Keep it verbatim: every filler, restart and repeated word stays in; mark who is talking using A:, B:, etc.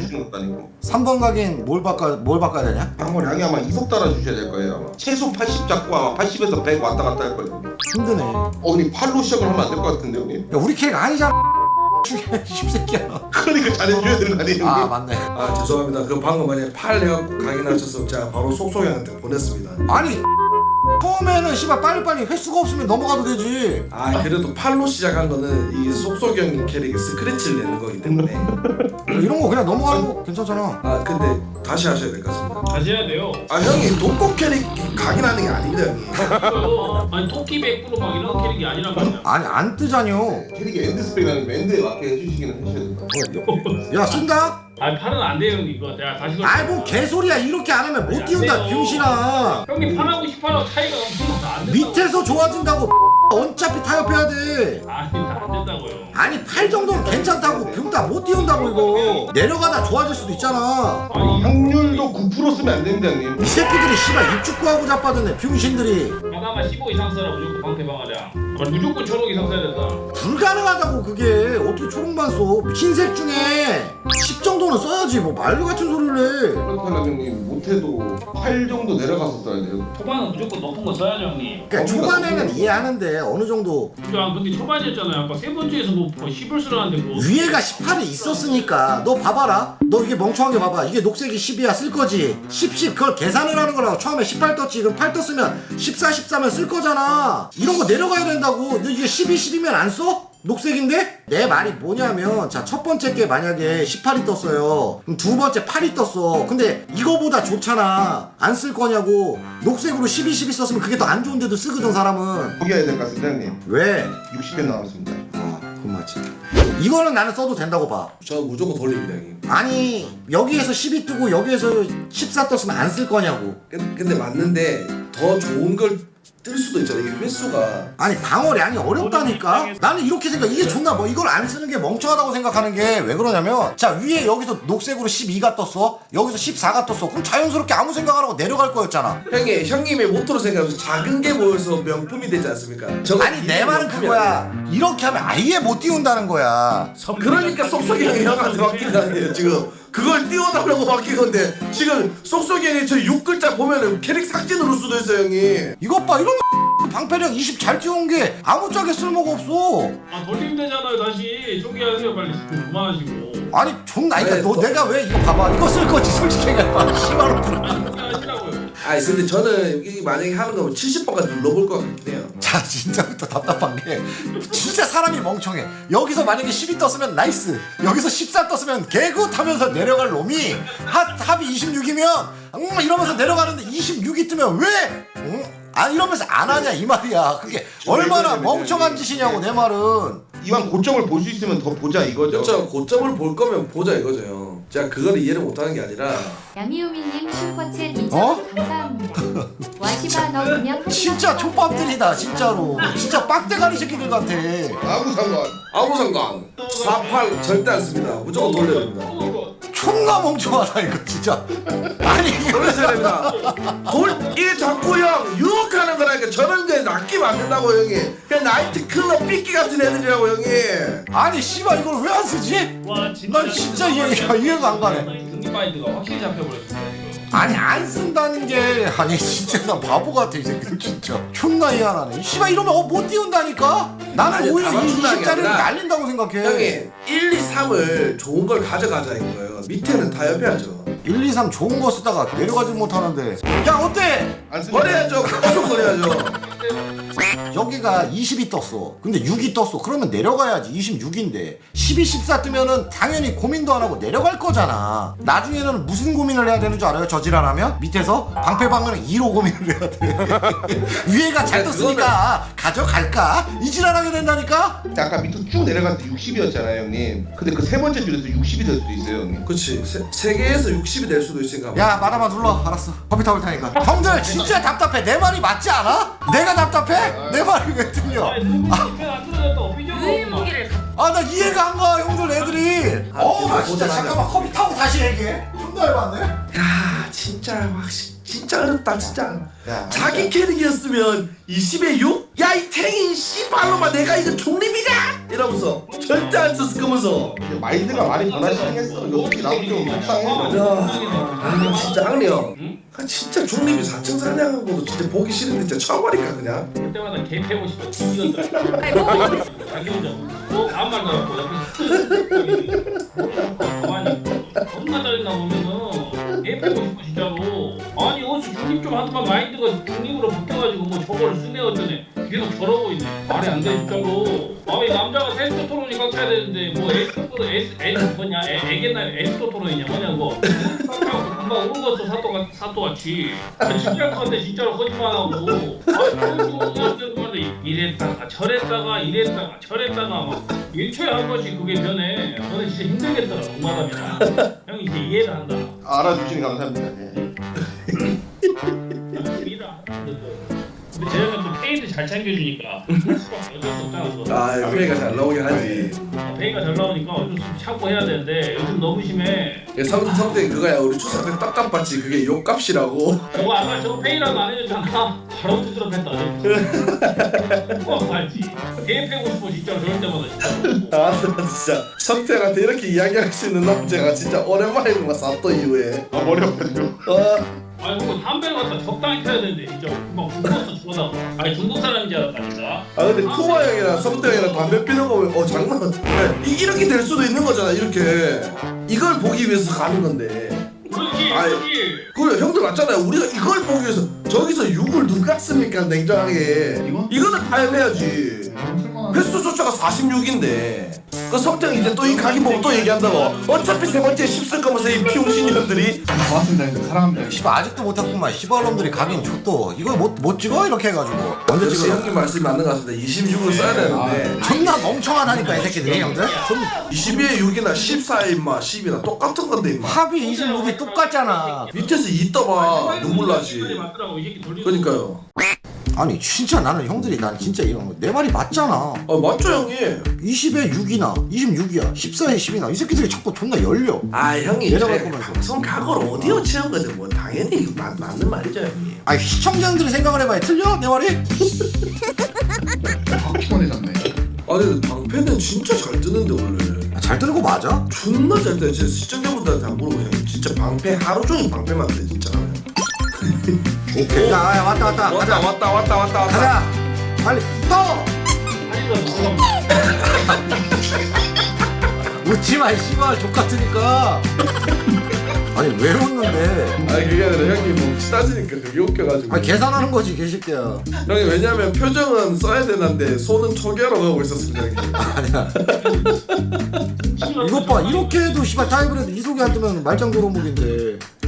A: 주는 것도 아니고.
B: 삼 번 가긴 뭘 바꿔 뭘 바꿔야 되냐?
A: 방어량이 아마 이속 달아 주셔야 될 거예요. 아마. 최소 팔십 잡고 아마 팔십에서 백 왔다 갔다 할 거예요.
B: 힘드네.
A: 어, 형님 팔로 시작을 하면 안 될 것 같은데 형님.
B: 야 우리 캐릭 아니잖아. 십새끼야.
A: 그러니까 잘해줘야 되는 거 아니에요?
B: 아
A: 형님?
B: 맞네.
C: 아 죄송합니다. 그 방금 만약에 팔 해갖고 각인하셔서 제가 바로 속속이한테 보냈습니다.
B: 아니 처음에는 씨발 빨리빨리 횟수가 없으면 넘어가도 되지.
C: 아 그래도 팔로 시작한 거는 이 속속이 형님 캐릭이 스크래치를 내는 거기 때문에
B: 이런 거 그냥 넘어가는 거 괜찮잖아.
C: 아 근데 다시 하셔야 될 것 같습니다.
D: 다시 해야 돼요.
C: 아 형이 독고 캐릭 각인하는 게 아닙니다 형님.
D: 이거요. 아니 토끼 백 프로 막 이런 캐릭이 아니란 말이야.
B: 아니 안 뜨자뇨.
A: 캐릭이 엔드 스펙이라는 거 엔드에 맞게 해주시기는 하셔야 돼요.
B: 야 쓴다?
D: 아니 팔은 안 돼요 형님 이거. 내가 다시.
B: 아이 뭐 개소리야. 이렇게 안 하면 못 띄운다 병신아.
D: 형님 팔하고 십팔하고 차이가 엄청 안 된다고.
B: 밑에서 좋아진다고. 어차피 타협해야 돼.
D: 아니 안 된다고요.
B: 아니 팔 정도는 괜찮다고. 병다 못 띄운다고 이거. 내려가다 좋아질 수도 있잖아.
D: 아니
A: 확률도 구 퍼센트 쓰면 안 됩니다 형님.
B: 이 새끼들이 씨발 입축구하고 자빠졌네 병신들이.
D: 하나만 십오 이상 써라 무조건 방패 방어량. 아니, 무조건 초록 이상 써야 된다.
B: 불가능하다고 그게. 어떻게 초록만 써. 흰색 중에 십 정도는 써야지. 뭐 말도 같은 소리를 해.
A: 그렇다면 형님 못해도 팔 정도 내려가서 써야 돼요.
D: 초반은 무조건 높은 거 써야죠 형님.
B: 그러니까 초반에는 이해하는데 어느 정도
D: 야 근데 초반이었잖아요. 아까 세 번째에서 뭐 십을 쓰라는데 뭐.
B: 위에가 십팔이 있었으니까. 너 봐봐라. 너 이게 멍청한 게 봐봐. 이게 녹색이 십이야 쓸 거지. 십, 십 그걸 계산을 하는 거라고. 처음에 십팔 떴지. 그럼 팔 떴으면 십사, 십사면 쓸 거잖아. 이런 거 내려가야 된다고. 너 이게 십이, 십이면 안 써? 녹색인데? 내 말이 뭐냐면 자 첫 번째 게 만약에 십팔이 떴어요. 그럼 두 번째 팔이 떴어. 근데 이거보다 좋잖아. 안 쓸 거냐고. 녹색으로 십이, 십이 썼으면 그게 더 안 좋은데도 쓰거든 사람은.
A: 포기해야 될 것 같습니다 형님.
B: 왜?
A: 육십 회 남았습니다.
B: 아 그건 맞지. 이거는 나는 써도 된다고 봐.
C: 저는 무조건 돌립니다 형님.
B: 아니 여기에서 십이 뜨고 여기에서 십사 떴으면 안 쓸 거냐고.
C: 근- 근데 맞는데 더 좋은 걸 뜰 수도 있잖아요. 이게 횟수가
B: 아니 방어량이 어렵다니까. 나는 이렇게 생각. 이게 존나 뭐 이걸 안 쓰는 게 멍청하다고 생각하는 게 왜 그러냐면 자 위에 여기서 녹색으로 십이가 떴어. 여기서 십사가 떴어. 그럼 자연스럽게 아무 생각 안 하고 내려갈 거였잖아.
C: 형이 형님의 모토로 생각해서 작은 게 모여서 명품이 되지 않습니까? 저거
B: 아니 내
C: 이게
B: 말은
C: 명품이
B: 그거야. 이렇게 하면 아예 못 띄운다는 거야.
C: 그러니까 쏙쏙이 형이 형한테 맡긴다는 거예요 지금. 그걸 띄워달라고 맡긴 건데 지금 쏙쏙이 형이 저 육 글자 보면은 캐릭 삭제 누를 수도 있어요 형이.
B: 이것 봐 이런 방패력 이십 잘 띄운 게 아무짝에 쓸모가 없어.
D: 아 돌리면 되잖아요 다시. 저기 하세요 빨리. 그만하시고.
B: 아니 존나
C: 왜,
B: 그러니까 너
C: 너-
B: 내가 왜 이거 봐봐 이거 쓸 거지 솔직히 얘기해봐. 씨발
D: 하시라고요.
C: 아니 근데 저는 이 만약에 하는 거면 칠십 번까지 눌러볼 것 같긴 해요.
B: 자 진짜부터 답답한 게 진짜 사람이 멍청해. 여기서 만약에 십이 떴으면 나이스. 여기서 십사 떴으면 개굿 하면서 내려갈 놈이 합, 합이 이십육이면 음 이러면서 내려가는데 이십육이 뜨면 왜? 음? 아 이러면서 안 하냐 이 말이야. 그게 얼마나 멍청한 짓이냐고 내 말은.
A: 이왕 고점을 볼 수 있으면 더 보자 이거죠.
C: 그렇죠. 고점을 볼 거면 보자 이거죠 형. 제가 그걸 이해를 못하는 게 아니라
E: 양이오미님 슈퍼챗 이천
B: 어?
E: 감사합니다. 와시바 너 그냥
B: 진짜 족밥들이다 진짜로. 진짜 빡대가리 새끼들 같아.
A: 아무 상관.
C: 아무 상관 사팔 절대 안 씁니다. 무조건 돌려야 됩니다.
B: 존나 멍청하다 이거 진짜. 아니 이게
C: 돌려야 됩니다. 돌 이게 자꾸 형 유혹하는 거라니까. 저런 거에 낚이면 안 된다고 형이. 그냥 나이트 클럽 삐끼 같은 애들이라고 형이.
B: 아니 씨발 이걸 왜 안 쓰지?
D: 와 진짜.
B: 난 진짜 이해가, 이해가 안 가네.
D: 등기 마인드가 확실히 잡혀버렸습니다 지금.
B: 아니 안 쓴다는 게 아니 진짜 나 바보 같아 이 새끼들 진짜 존나 이해하네. 이 씨발 이러면 어 못 띄운다니까? 나는
C: 아니,
B: 오히려
C: 다
B: 이
C: 맞춘다는 게
B: 이십짜리를
C: 아니라
B: 날린다고 생각해.
C: 형이 일, 이, 삼을 좋은 걸 가져가자 이거예요. 밑에는 다 협의하죠.
B: 일, 이, 삼 좋은 거 쓰다가 내려가지 못하는데 야 어때?
A: 안 씁니다.
C: 버려야죠. 계속 버려야죠.
B: 여기가 이십이 떴어. 근데 육이 떴어. 그러면 내려가야지. 이십육인데 십이, 십사 뜨면은 당연히 고민도 안 하고 내려갈 거잖아. 나중에는 무슨 고민을 해야 되는 줄 알아요? 저질환하면? 밑에서 방패방어는 이로 고민을 해야 돼. 위에가 잘 떴으니까 가져갈까? 이 질환하게 된다니까?
A: 아까 밑으로 쭉 내려갔을 때 육십이었잖아요 형님. 근데 그 세 번째 줄에서 육십이 될 수도 있어요 형님.
C: 그렇지. 세, 세 개에서 육십이 될 수도 있으니까.
B: 야 마다마 눌러. 알았어. 커피 타올 테니까. 형들 진짜 답답해. 내 말이 맞지 않아? 내가 답답해? 내 말이 왜 틀려?
D: 아니 누구 편안 들어졌다 삐져고.
E: 의무기를
B: 아 나 이해가 안 가 형들 애들이.
C: 아,
B: 어우 나
C: 계속
B: 진짜
C: 보자,
B: 잠깐만 커피 타고 다시 얘기해. 존나 열받네.
C: 야 진짜 확실히 진짜 어렵다 진짜.
A: 야,
C: 자기 캐릭이었으면 이십에 육? 야 이 탱인 씨발로만 내가 이거 중립이냐? 이러면서 절대 안 썼을 거면서.
A: 마인드가 많이 변하시긴 했어. 요즘 나도 좀 속상해.
C: 아 진짜 악리 형. 아, 진짜 중립이 사층 사냥한 것도 진짜 보기 싫은데 진짜 처음 하니까 그냥.
D: 볼 때마다 개 패고 싶어. 이겼다. 자기 혼자 뭐 아무 말도 안 하고 옆에서 가만히 겁나 짜증나 보면은 개 패고 싶어 진짜로. 아니 어찌 중립 좀 하더만 마인드가 중립으로 바뀌어가지고 뭐 저거를 쓰네 어쩌네 계속 저러고 있네. 말이 안 돼 진짜로. 아니 남자가 테스토스테론이 꽉 차야 되는데 뭐 에스토 에스 에스 뭐냐 애겠나 에스토스테론이냐 뭐냐고. 금방 오르겠어 사또가 사또같이. 진짜 건데 진짜로 거짓말하고. 아니 이랬다가 저랬다가 이랬다가 저랬다가 막 일초에 한 번씩 그게 변해. 너는 진짜 힘들겠더라 동마담이야. 형이 이제 이해를 한다.
A: 알아주시니 감사합니다. 예.
D: 열심히다. 근데 쟤는 또 페이도 잘 챙겨주니까 할 수밖에 어쩔 수 없잖아. 그거.
C: 아 페이가 잘 나오긴 하지.
D: 아, 페이가 잘 나오니까 어쩔 수 없이 참고 해야 되는데 요즘 너무 심해.
C: 성 성대 그거야 우리 추석 때 딱깜봤지 그게 욕값이라고.
D: 저거 아까 저거 페이라고 안 해줬잖아. 바로 두드러 팼다. 그거 알지? 개 패고 싶어 진짜로 저럴 때마다 진짜.
C: 아 진짜 성태한테 이렇게 이야기할 수 있는 남자가 진짜 오랜만에 본 거 사또 이후에.
A: 아 머리 아파요.
C: 어.
D: 아니 그거 담배를 갖다 적당히 펴야 되는데 진짜 막 죽었어 죽어다가. 아니 중국 사람인 줄 알았다니까.
C: 아 근데 코아 형이랑 성태 형이랑 담배 피는 거 보면 어 장난. 이 이렇게 될 수도 있는 거잖아 이렇게. 이걸 보기 위해서 가는 건데.
D: 그렇지
C: 아이,
D: 그렇지.
C: 그래 형들 맞잖아요. 우리가 이걸 보기 위해서 저기서 육을 누가 씁니까 냉정하게.
F: 이거?
C: 이거는 타협해야지. 횟수조차가 사십육인데 그 성태형 이제 또 이 각이 보고 또 얘기한다고. 어차피 세 번째 씹쓸 거면서 이 비용신년들이.
F: 고맙습니다 형님 사랑합니다.
B: 씨발 아직도 못했구만. 씨발놈들이 가긴 줬도 이걸 못, 못 찍어? 이렇게 해가지고 언제
C: 역시
B: 찍어?
C: 형님 말씀이 맞는 것 같습니다. 이십육을 써야 되는데
B: 존나 멍청하다니까 이 새끼들이 형들. 좀
C: 이십이에 육이나 십사에 임마 십이나 똑같은 건데 임마.
B: 합이 이십육이 똑같잖아.
C: 밑에서 이 떠봐 눈물 나지.
D: 맞더라고 이 새끼 돌리고.
C: 그러니까요.
B: 아니 진짜 나는 형들이 난 진짜 이런 거 내 말이 맞잖아.
C: 아 맞죠 형님.
B: 이십에 육이나 이십육이야 십사에 십이나 이 새끼들이 자꾸 존나 열려.
C: 아 형이
B: 내려갈
C: 이제
B: 거면서.
C: 방송 각오를 어디어 채운 거든 뭐 당연히 이거 맞, 맞는 말이죠 형님.
B: 아니 시청자들이 생각을 해봐야 틀려? 내 말이?
F: 확 피곤해졌네.
C: 아 근데 방패는 진짜 잘 뜨는데 원래.
B: 아, 잘 뜨는 거 맞아?
C: 존나 잘 뜨네. 제 시청자분들한테 안 물어보고 형님 진짜 방패 하루 종일 방패만 돼 진짜.
B: 오케이. 야, 야 왔다 왔다.
C: 왔다
B: 가자.
C: 왔다 왔다 왔다 왔다.
B: 가자. 빨리 떠. 웃지 마, 이 씨발 족 같으니까. 아니 왜 웃는데?
C: 아니 그게 아니라 형님 뭐 따지니까 그게 웃겨가지고.
B: 아 계산하는 거지 개새끼야.
C: 형님 왜냐면 표정은 써야 되는데 손은 초기화로 하고 있었습니다 형님.
B: 아니야. 이것 봐 이렇게 해도 씨발 타이브레드 이속이 안 뜨면 말짱 도루묵인데.